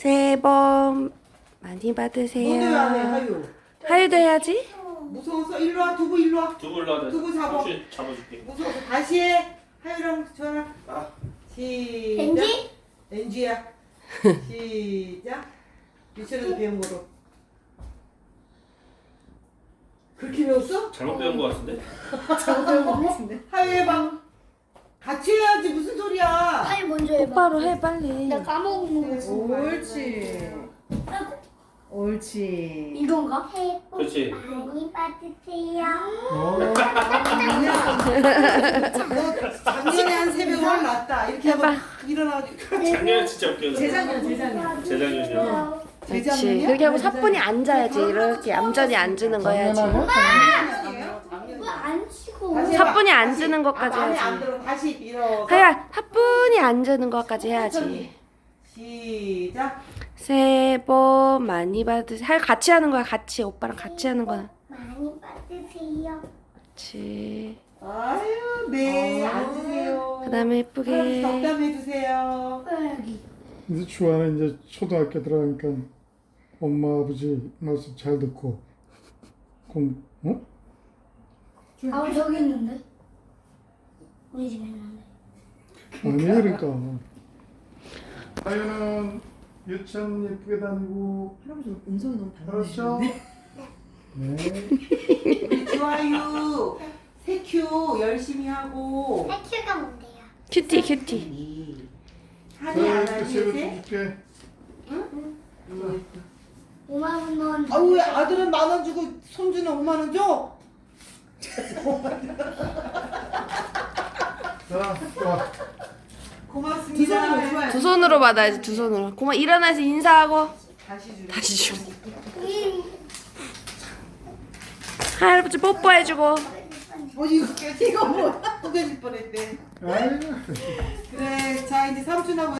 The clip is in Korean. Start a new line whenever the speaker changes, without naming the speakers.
새해 복 많이 받으세요.
너도 안 해, 하유.
하유도 해야지.
무서워서 일로 와, 두부 일로 와.
두부 올라와.
두부 잡아.
혹시 잡아줄게.
무서워서 다시 해. 하유랑 저랑. 시작.
벤지?
엔지야. 시작. 유치원에서 배운 거로. 그렇게 배웠어?
잘못 배운 거 같은데?
하유 해봐. 같이 해야지 무슨 소리야.
하이 먼저 해봐.
똑바로 해 빨리.
나 까먹는 거.
옳지. 옳지.
이건가?
그렇지.
많이 받으세요.
너 작년에 한 새벽 월 났다. 이렇게 하고 일어나가지고.
작년에 진짜 웃겼어.
재작년.
재작년이요.
그렇지. 그렇게 하고 사뿐히 앉아야지. 이렇게 얌전히 앉는 거 해야지.
이거 안 치고.
다시 해봐.
사뿐히
다시.
앉는 것까지
마음에 안
해야지.
들어. 다시 일어서.
하야 사뿐히 앉는 것까지 해야지.
시작.
새해 복 많이 받으세요. 하야 같이 하는 거야. 같이 오빠랑 같이 하는 거야.
많이 받으세요.
그렇지.
아유, 네. 앉으세요.
그다음에 예쁘게.
덕담해 주세요.
여기.
이제 주아는 이제 초등학교 들어가니까 엄마 아버지 말씀 잘 듣고 어?
아 저기 있는데. 우리 집에 있는데.
아니 그러니까 아유는 유치원 예쁘게 다니고
할아버지 음성이 너무
그렇죠? 네.
우리 주아유 새큐 열심히 하고
해큐가 뭔데요?
큐티 큐티.
한이 안
자,
하지
세로
세?
줄게
5만 원 넣은.
아유 왜 아들은 10,000원 주고 손주는 5만원 줘?
자, 좋아.
고맙습니다.
두 손으로 받아야지. 두 손으로. 고마 일어나서 인사하고
다시 주래.
다시 줘. 할아버지 뽀뽀해주고.
이거 뭐 또 깨질 뻔했대.
아유.
그래 자 이제 삼촌하고